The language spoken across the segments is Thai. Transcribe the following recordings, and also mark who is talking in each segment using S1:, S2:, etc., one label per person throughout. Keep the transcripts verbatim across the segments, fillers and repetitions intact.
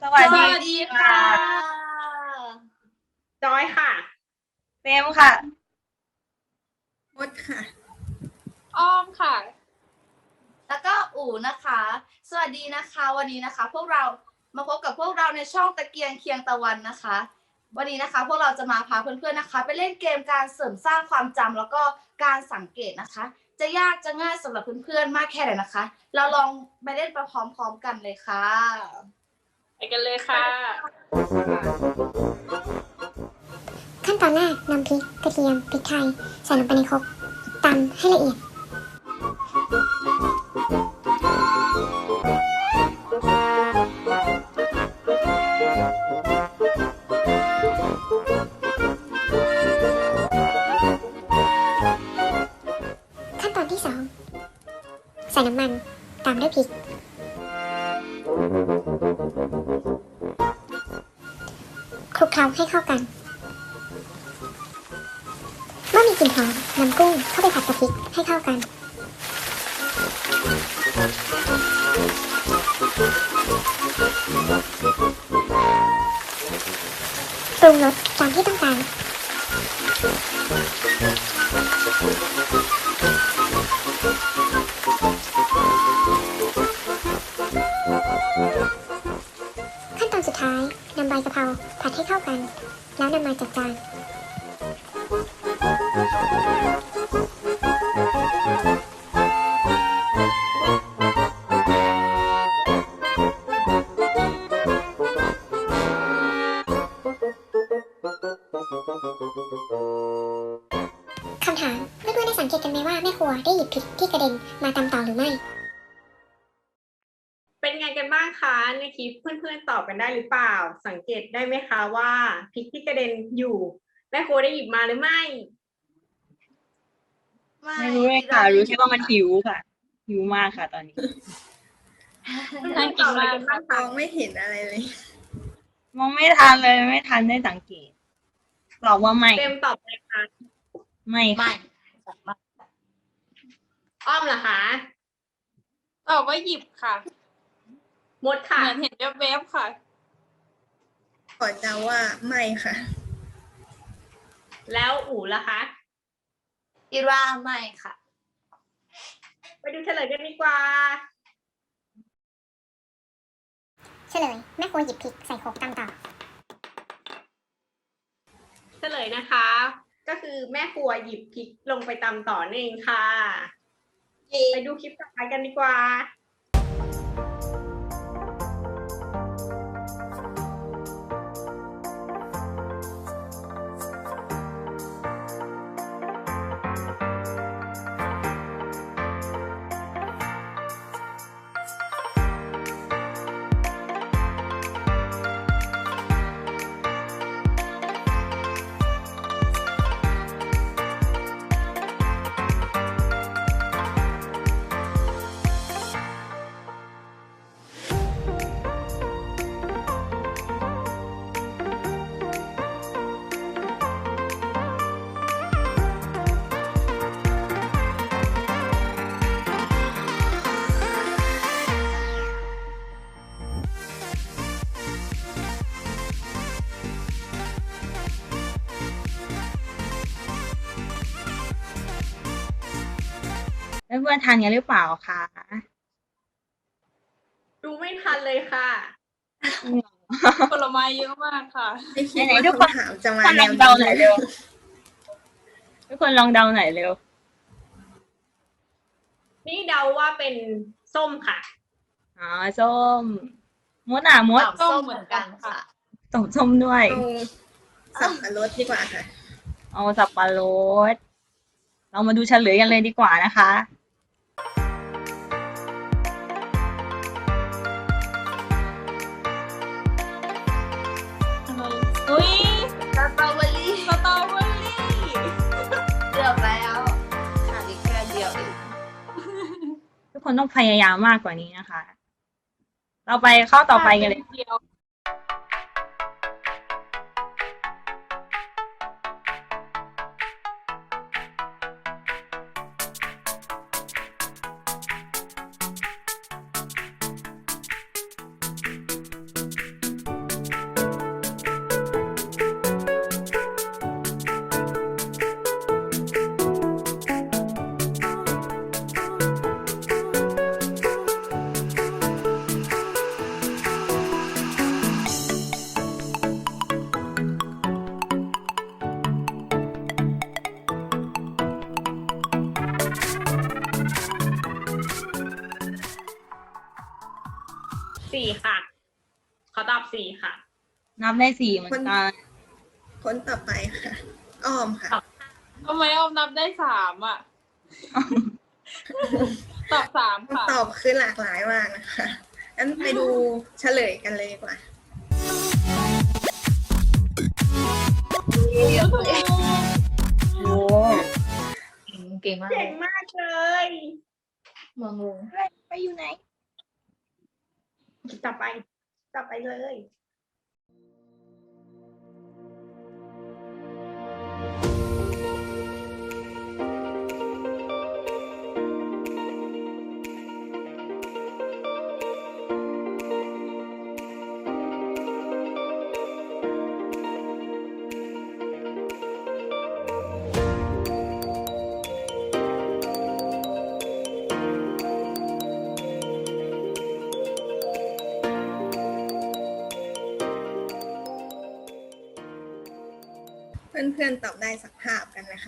S1: สวัสดี
S2: สวัสดีค่ะ
S3: จอยค่ะ
S1: เฟมค่ะ
S4: มดค่ะ
S2: อ้อมค่ะ
S4: แล้วก็อู๋นะคะ สวัสดีนะคะ วันนี้นะคะ พวกเรามาพบกับพวกเราในช่องตะเกียงเคียงตะวันนะคะ วันนี้นะคะ พวกเราจะมาพาเพื่อนๆนะคะ ไปเล่นเกมการเสริมสร้างความจำแล้วก็การสังเกตนะคะ จะยากจะง่ายสำหรับเพื่อนๆมากแค่ไหนนะคะ เราลองไปเล่นไปพร้อมๆกันเลยค่ะ
S2: ไปกันเลยค่ะ
S5: ขั้นตอนแรกนำพริกกระเทียมพริกไทยใส่ลงไปในครกตำให้ละเอียดขั้นตอนที่สองใส่น้ำมันตามด้วยพริกคลุกเคล้าให้เข้ากันเมื่อมีกลิ่นหอมนำกุ้งเข้าไปผัดกับพริกให้เข้ากันปรุงรสตามที่ต้องการขั้นตอนสุดท้ายนำใบกะเพราผัดให้เข้ากันแล้วนำมาจัดจานคำถามเพื่อนๆได้สังเกตกันไหมว่าแม่ครัวได้หยิบพริกที่กระเด็นมาตำต่อหรือไม่
S3: เป็นไงกันบ้างคะในคลิปเพื่อนๆตอบกันได้หรือเปล่าสังเกตได้ไหมคะว่าพริกที่กระเด็นอยู่แม่ครัวได้หยิบมาหรือไม่
S1: ไม่รู้เลยค่ะ รู้แค่ว่ามันหิวค่ะ หิวมากค่ะตอนนี้
S2: น่ากินมาก
S3: บ้าง
S4: ม
S3: คะ
S4: องไม่เห็นอะไรเลย
S1: มองไม่ทันเลยไม่ทันได้สังเกตตอบว่าไม่
S3: เต็มตอบเลยค่ะ
S1: ไม่ค่ะ
S3: อ้อมเหรอคะ
S2: ตอบว่าหยิบค่ะ
S3: มดค่ะ
S2: เหมือนเห็นแวบๆค่ะ
S4: ขอเดาว่าไม่ค่ะ
S3: แล้วอู๋ล่ะคะ
S4: คิดว่าไม่ค่ะ
S3: ไปดูเฉลยกันดีกว่า
S5: เฉลยแม่ครัวหยิบพริกใส่โขลกตำต่อ
S3: เฉลยนะคะ ก็คือแม่ครัวหยิบพริกลงไปตำต่อนั่นเองค่ะ ไปดูคลิปต่อไปกันดีกว่า
S1: แล้วเพื่อนทานกันหรือเปล่าคะ
S3: ดูไม่ทันเลยค่ะ
S2: ผลไม้เยอะมากค่ะ
S4: ไม่คิด
S1: ไหน
S4: ว่า
S1: ๆทุกคน
S4: คำถามจะมา
S1: ทุกคน
S4: แน
S1: ลอ
S4: ว
S1: งเดา
S4: นี้
S1: หน่อยเร็วทุกคนลองเดาหน่อยเร็ว
S3: นี่เดาว่าเป็นส้มค่ะ
S1: อ๋อส้มมดอ่ะมด
S4: ตอบส้มเหมือนกันค่ะ
S1: ตอบส้มด้วย
S4: เอาสับปะรดดีกว่าค่ะ
S1: เอาสับปะรดเรามาดูเฉลยกันเลยดีกว่านะคะ
S2: อุ้ย
S4: สตรอเบอรี่
S2: สตรอเบอรี่
S4: เกือบแล้วขาดอีกแค่เดียวเอง
S1: ทุกคนต้องพยายามมากกว่านี้นะคะ เราไปข้อต่อไปกันเลย
S2: เดียว
S1: ข
S3: สี่ค่ะขอตอบสี่ค่ะ
S1: นับได้สี่เหมือนกัน
S6: คนต่อไปค่ะ อ้อมค่ะ
S2: ทำไมออมนับได้สามอ่ะ ตอบสามค่ะ
S6: ตอบคือหลากหลายมากนะคะงั้นไปดูเฉลยกันเลยดีกว่า
S1: โอ้
S4: เก่งมาก
S3: เก่งมากเลย
S4: มองง
S1: ไปอยู่ไหน
S3: ต่อไป ต่อไปเลย
S6: เพื่อนๆตอบได้สักภาพกันนะคะ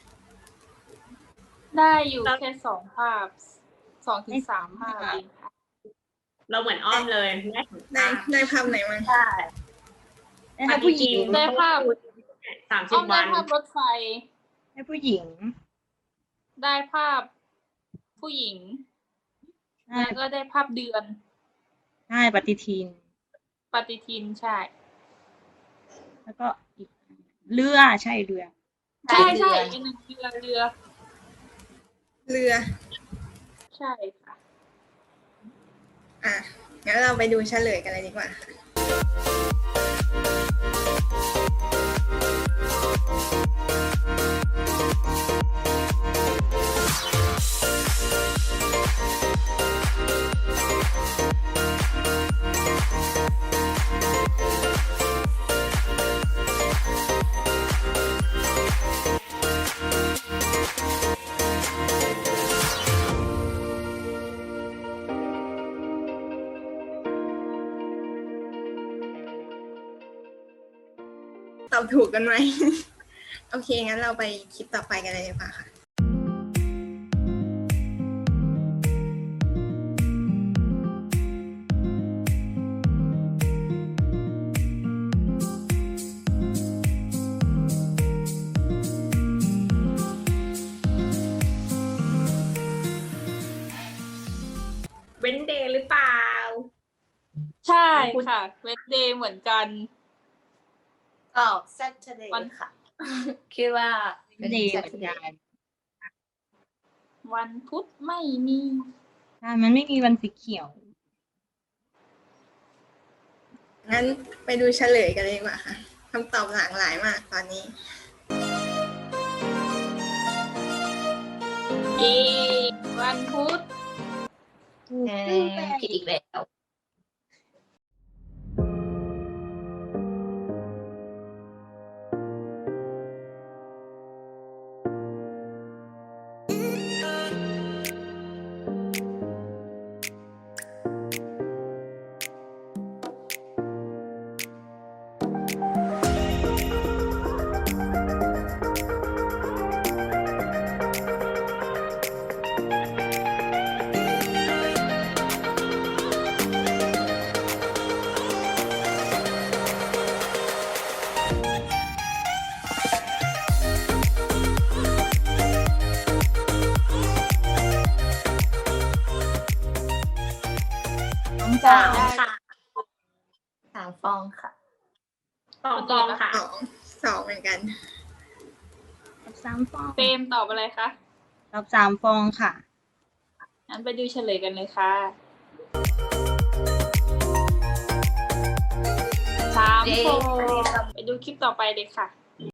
S2: ได้อยู่แค่สองภาพสองถึงสามภาพเองค่ะ
S3: เราเหมือนอ้อมเลยได้
S6: ได้ได้ภาพไหนมั้ง
S3: ใช่
S1: ให้ผู้หญิง
S2: ได้ภาพ
S3: สามสิ
S2: อ้
S3: บ
S2: อมได้
S3: วัน
S2: ภาพรถไฟ
S1: ให้ผู้หญิง
S2: ได้ภาพผู้หญิง
S1: ใช่
S2: แล้วก็ได้ภาพเดือน
S1: ใช่ปฏิทิน
S2: ปฏิทินใช่
S1: แล้วก็อีกเรือใช่เรือ
S2: ใช่ใช่อีกอันหนึ่งเรือเรือ
S6: เรือ
S2: ใช่ค่ะ
S6: อ่ะ งั้นเราไปดูเฉลยกันเลยดีกว่าค่ะ ตอบถูกกันไหม โอเค งั้นเราไปคลิปต่อไปกันเลยดีกว่าค่ะ
S3: เว้นเดย์หรือเปล่า
S2: ใช่ค่ะเวทเดย์เหมือนกัน
S4: ตอบ Saturday
S2: วัน
S4: ค่ะ คิดว่าเป็น
S1: เดย์เหมือน
S4: Saturday
S1: กัน
S2: วันพุธไม่มี
S1: ใช่มันไม่มีวันสีเขียว
S6: งั้นไปดูเฉลยกันเลยดีกว่าค่ะคำตอบหลากหลายมากตอนนี้
S2: อีวันพุธ
S4: เออผิดอีกแล้ว
S1: น้องจอ
S3: สาม
S1: ย
S3: ค่ะ
S4: สามฟองค่ะ
S3: สองฟองค่ะ
S6: สองสองเหมือนกัน
S1: ตอบสามฟอง
S2: เฟรมตอบอะไรคะ
S1: ตอบสามฟองค่ะ
S2: งั้นไปดูเฉลยกันเลยค่ะสาม
S4: เย้
S2: โฟงไปดูคลิปต่อไปเลยค่ะ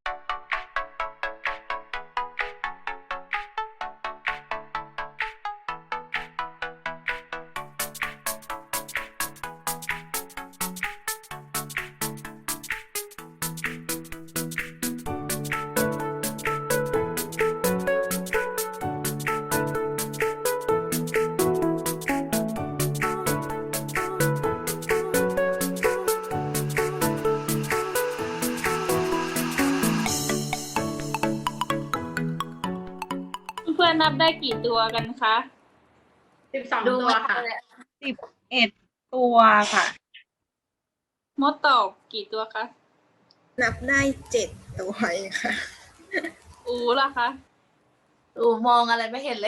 S2: เพื่อนๆนับได้กี่ตัวกันคะ
S3: สิบสอง
S4: ดู
S3: ตัว
S4: มา
S3: ค่ะ
S4: เลย
S1: สิบเอ็ดตัวค่ะ
S2: มดตอบกี่ตัวคะ
S6: นับได้เจ็ดตัวเองค่ะ
S2: อูล่ะคะ
S4: อูมองอะไรไม่เห็นเลย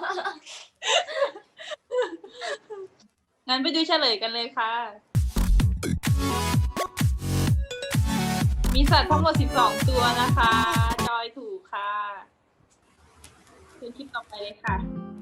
S2: งั้นไปดูเฉลยกันเลยค่ะ มีสัตว์ทั้งหมดสิบสองตัวนะคะ จอยถูกค่ะคือคลิปต่อไปเลยค่ะ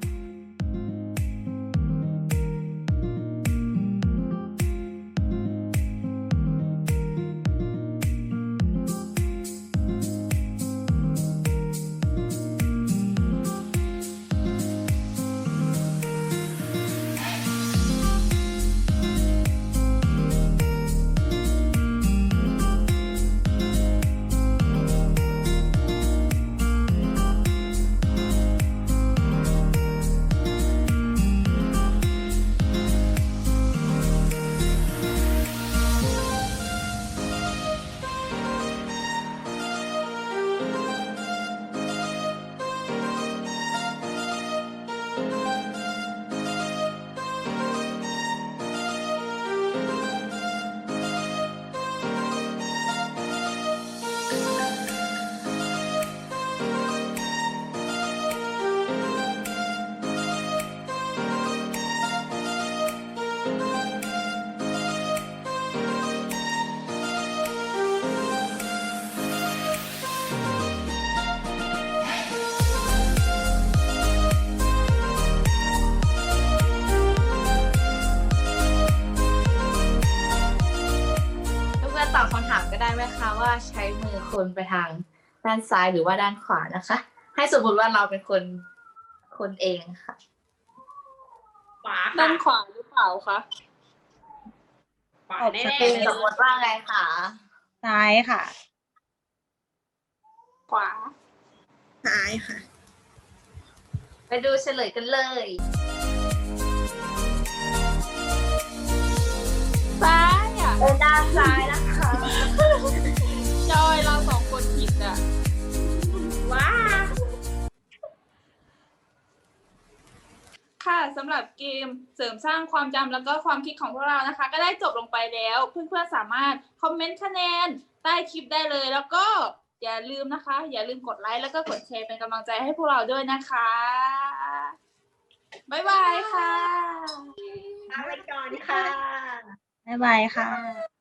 S4: เพื่อนๆตอบคำถามก็ได้ไหมคะว่าใช้มือคนไปทางด้านซ้ายหรือว่าด้านขวานะคะ ให้สมมติว่าเราเป็นคนคนเองค่ะ
S3: ขวา
S2: ด้า
S3: ค่ะ
S2: นขวาหรือเปล่าคะ
S3: ขวา
S1: ตอบ
S3: แน่
S1: ชัด
S3: ๆ
S1: เจ
S3: เลย
S1: น
S4: สมมติว่าไงคะ
S1: ซ้ายค่ะ
S2: ขวา
S6: ซ้ายค่ะ
S4: ไปดูเฉลยกันเลย
S2: ซ้ายอ่ะ
S4: เป็นด้านซ้ายนะคะ
S2: จอยเราสองคนผิดอ่ะ
S3: ว้า
S2: ค่ะสำหรับเกมเสริมสร้างความจำแล้วก็ความคิดของพวกเรานะคะ ก็ได้จบลงไปแล้ว เพื่อนๆสามารถคอมเมนต์คะแนนใต้คลิปได้เลย แล้วก็อย่าลืมนะคะ อย่าลืมกดไลค์แล้วก็กดแชร์เป็นกำลังใจให้พวกเราด้วยนะคะบ๊ายบายค่ะ
S3: ลาไปก่อนค่ะ
S1: บ๊ายบายค่ะ